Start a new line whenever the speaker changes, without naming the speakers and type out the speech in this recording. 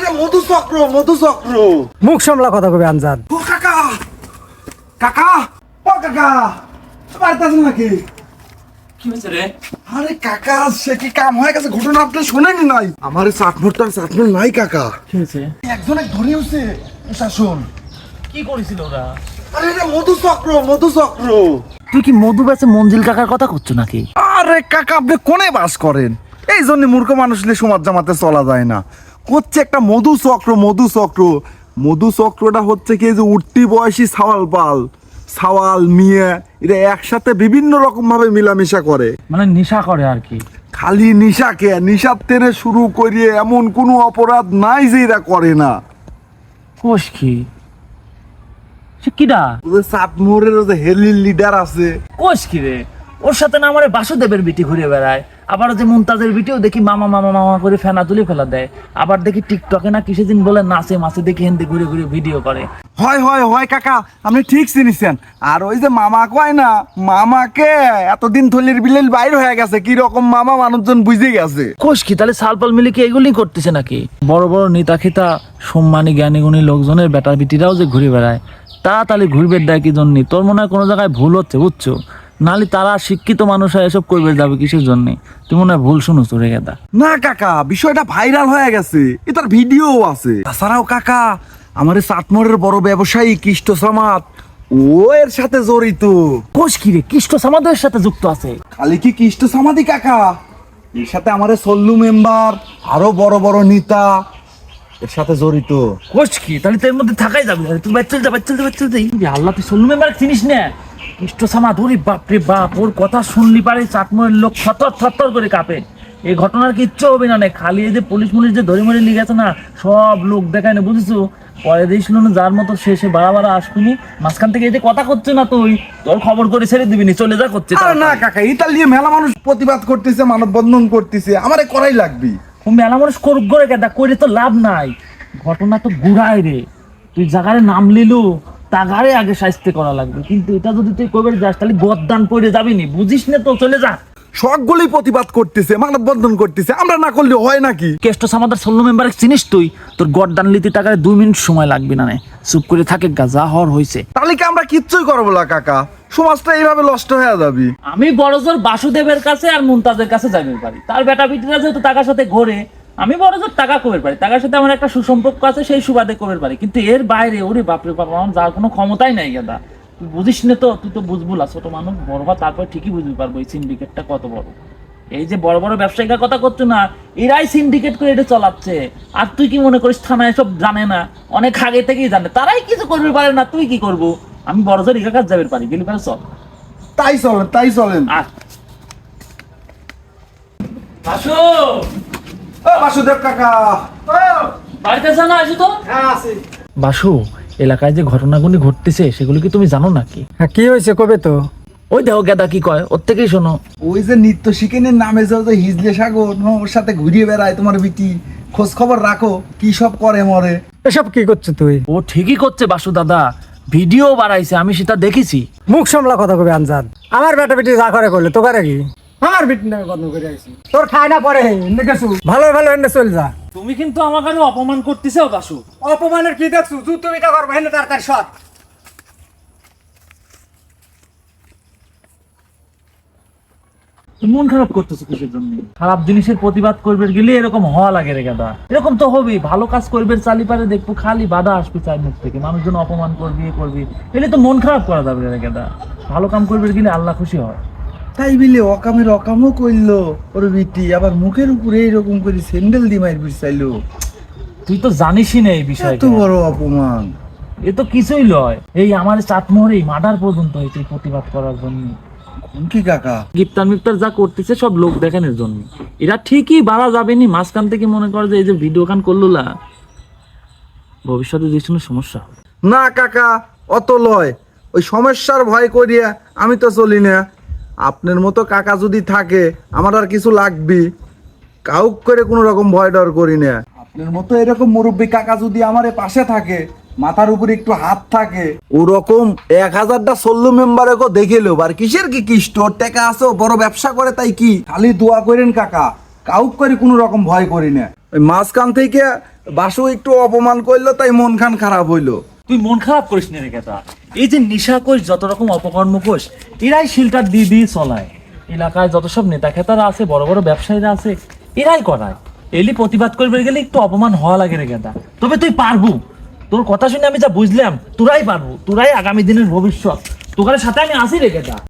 এটা মধুচক্র মধুচক্র।
মুখ সামলা কথা কবি আনজাদ।
ও কাকা কাকা ও কাকা বাড়িতে আছেন নাকি?
কি হয়েছে রে?
আরে কাকা সে কি কাম হয়ে গেছে, ঘটনা আপনি শোনেনি নাই? আমার চাটমোট নাই কাকা।
কি হয়েছে?
একজনে ধরে উঠছে শাসন।
কি করেছিল ওরা?
আরে এটা মধুচক্র মধুচক্র।
তুই কি মধু বেচে মঞ্জিল কাকার কথা করছো নাকি?
আরে কাকা আপনি কোনে বাস করেন? এই জন্য মূর্খ মানুষ নিয়ে সমাজ জামাতে চলা যায় না। হচ্ছে একটা মধুচক্র মধুচক্র। মধুচক্রটা হচ্ছে কি, যে উঠতি বয়সী সাওয়াল মিয়া এরা একসাথে বিভিন্ন রকম ভাবে মিলামিশা করে,
মানে নেশা করে আর কি।
খালি নিশাকে নিশার থেকে শুরু করিয়ে এমন কোনো অপরাধ নাই যে এরা করে না।
কোষ কি? সে কিডা?
ওদের চাটমোহরের যে হেলির লিডার আছে।
কোষ কি রে? ওর সাথে না আমার বাসুদেবের বিটি ঘুরে বেড়ায়, আবার যে মুমতাজের বিটিও দেখি মামা মামা মামা করে ফেনা তুলে ফেলা দেয়, আবার দেখি টিকটকে না কিসে দিন বলে নাচে মাসে দেখি হিন্দি ঘুরে ঘুরে ভিডিও করে।
হয় হয় হয় কাকা, আপনি ঠিক চিনিছেন। আর ওই যে মামা কয় না, মামাকে এতদিন থলির বিলের বাইর হয়ে গেছে, কি রকম মামা মানুষজন বুঝে গেছে।
কোষ কি? তাহলে সালপাল মিলে কি এগুলি করতেছে নাকি? বড় বড় নেতা খেতা সম্মানী জ্ঞানী গুণী লোকজনের বেটার বিটিরাও যে ঘুরে বেড়ায়, তাহলে ঘুরবে দেয় কি জন্য? তোর মনে হয় কোনো জায়গায় ভুল হচ্ছে, বুঝছো? নাহলে তারা শিক্ষিত মানুষ এসব করবে যাবে কিসের জন্য? তুই মনে হয় ভুল শুনো তোরে গেদা।
না কাকা, বিষয়টা ভাইরাল হয়ে গেছে, এটার ভিডিও আছে। তাছাড়াও কাকা, আমার চাটমোহরের বড় ব্যবসায়ী কৃষ্ণ সামাদ ও এর সাথে জড়িত।
কোষ কি রে? কৃষ্ণ সমাজের সাথে যুক্ত আছে?
খালি কি কৃষ্ণ সামাদি কাকা, এর সাথে আমার সল্লু মেম্বার আরো বড় বড় নেতা এর সাথে জড়িত।
কোষ কি? তাহলে তোর মধ্যে থাকাই যাবে না। তুই বাচ্চা আল্লাহ, তুই সল্লু মেম্বার চিনিস না? কৃষ্ণ সামাদ, ওরে বাপরে বাপ, ওর কথা শুনলি পারে চাটমোহরের লোক থর করে কাঁপে। এই ঘটনার কিচ্ছু হবে না, খালি এই যে পুলিশ যে ধরে মরে নিয়ে গেছে না, সব লোক দেখায় না, বুঝেছো? পরে দিয়েছিল না যার মতো সে বাড়া আসবি মাঝখান থেকে এই যে কথা করছে না, তুই তোর খবর করে ছেড়ে দিবি নি, চলে যা করছে।
আরে না কাকা, ইতালিয়ে মেলা মানুষ প্রতিবাদ করতেছে, মানববন্ধন করতেছে, আমারে করাই লাগবে।
মেলা মানুষ করুক করে কেদা, করে তো লাভ নাই। ঘটনা তো গুড়াই রে, তুই জায়গায় নাম লিলু তাগারে আগে শাস্তি করা লাগবে, কিন্তু এটা যদি তুই কবে যাস তাহলে গদ্দান পড়ে যাবি নি, বুঝিস না তো? চলে যা।
সবগুলি প্রতিবাদ করতেছে, মানববন্ধন করতেছে, আমরা না করলে হয় নাকি?
কেষ্ট সামাদার সল্লু মেম্বার চিনিস তুই? তোর গদ্দান লিতে টাকায় 2 মিনিট সময় লাগবে না, চুপ করে থাকে গা, যা হওয়ার হয়েছে।
তাহলে কি আমরা কিচ্ছুই করবো না কাকা? সমাজটা এইভাবে নষ্ট হয়ে যাবে।
আমি বড়জোর বাসুদেবের কাছে আর মুমতাজের কাছে যাবে পারি, তার বেটা বিটিরা যেহেতু টাকার সাথে ঘোরে, আমি বড়জোর টাকা কবের পারি, টাকার সাথে আমার একটা সুসম্পর্ক আছে, সেই সুবাদে কবের পারি। কিন্তু এর বাইরে ওরে বাপরে বাপ, আমার যার কোনো ক্ষমতাই নাই গাদা। তুই বুঝিস না তো? তুই তো বুঝবুল, ছোট মানুষ বড় হওয়া, তারপর ঠিকই বুঝতে পারবো এই সিন্ডিকেটটা কত বড়। এই যে বড় বড় ব্যবসায়িকের কথা করছো না, এরাই সিন্ডিকেট করে এটা চালাচ্ছে। আর তুই কি মনে করিস থানায় সব জানে না? অনেক আগে থেকেই জানে, তারাই কিছু করবে পারে না, তুই কি করবো? আমি বড়জোর ইকা কাজ যাবে পারি, গেলি পারে চল।
তাই চলেন।
আর বাসু,
ও বাসুদেব কাকা,
বাড়িতে জানা আসো তো।
হ্যাঁ আছি।
বাসু, এলাকায় যে ঘটনাগুলি ঘটতেছে সেগুলো কি তুমি জানো নাকি?
হ্যাঁ, কি হয়েছে কবে তো?
ওই দেখো গেদা কি কয়, ওর থেকেই শোনো।
ওই যে নিত্য শিকেনের নামে যে হিজলে সাগর, ওর সাথে ঘুরিয়ে বেড়ায় তোমার বিটি, খোঁজ খবর রাখো কি সব করে মরে।
এসব কি করছো তুই?
ও ঠিকই করছে বাসু দাদা, ভিডিও বাড়াইছে, আমি সেটা দেখেছি।
মুখ সামলা কথা কবি আনজাদ। আমার বেটা বেটি যা করে করলে তো করে কি? আমার বেটি নামে বদনাম করে আইছি, তোর খায় না পরে এনে গেছু, ভালো ভালো এনে চল যা।
তুমি কিন্তু আমাকে অপমান করতেছো বাসু।
অপমানের কি দেখছু? তুমি এটা করবে এনে তার সৎ।
মন খারাপ করতেছো কিসের জন্য? খারাপ জিনিসের প্রতিবাদ করবে গেলে এরকম হওয়া লাগে রে গাদা। এরকম তো হবেই, ভালো কাজ করবে চালি পারে দেখবো খালি বাধা আসবে চার মুখ থেকে, মানুষজন অপমান করবি করবি, এলে তো মন খারাপ করা যাবে রে গাদা। ভালো কাম করবে গেলে আল্লাহ খুশি হয়।
তাই বিলে অকামের অকামও করলো ওর বিটি, আবার মুখের উপরে এইরকম করে স্যান্ডেল দিয়ে মাইর চাইলো।
তুই তো জানিসই না এই বিষয়টা,
এত বড় অপমান।
এ তো কিছুই লয়। এই আমার চাটমোহরেই মার্ডার পর্যন্ত হয়েছে প্রতিবাদ করার জন্য।
কি কাকা,
গিফতার মিফতার যা করতেছে সব লোক দেখানোর জন্য। এরা ঠিকই বাড়া যাবেনি, মাঝখান থেকে মনে করে যে এই যে ভিডিও গান করলো না, ভবিষ্যতে যে কোনো সমস্যা হবে।
না কাকা, অত লয়, ওই সমস্যার ভয় করিয়া আমি তো চলি না। আপনার মতো কাকা যদি থাকে আমার আর কিছু লাগবে, কাউক করে কোনো রকম ভয় ডর করি না। আপনার মতো এরকম মুরব্বী কাকা যদি আমার পাশে থাকে, মাথার উপরে একটু হাত থাকে, ওরকম 1000টা সল্লু মেম্বারকে দেখে লো। আর কিসের কি স্টোর টাকা আছে, বড় ব্যবসা করে, তাই কি খালি দোয়া করেন কাকা, কাউক করে কোনো রকম ভয় করি না। ওই মাঝখান থেকে বাসু একটু অপমান করলো তাই মন খান খারাপ হইলো।
তুই মন খারাপ করিস না রে গেদা। এই যে নিশা কোষ, যত রকম অপকর্ম কোষ, এরাই শিলটার দিয়ে চলায়। এলাকায় যত সব নেতা খেতারা আছে, বড় বড় ব্যবসায়ীরা আছে, এরাই করায়। এলি প্রতিবাদ করবে গেলে একটু অপমান হওয়া লাগে রে গেদা। তবে তুই পারবো, তোর কথা শুনে আমি যা বুঝলাম তোরাই পারবো, তোরাই আগামী দিনের ভবিষ্যৎ, তোকারের সাথে আমি আসি রে গেদা।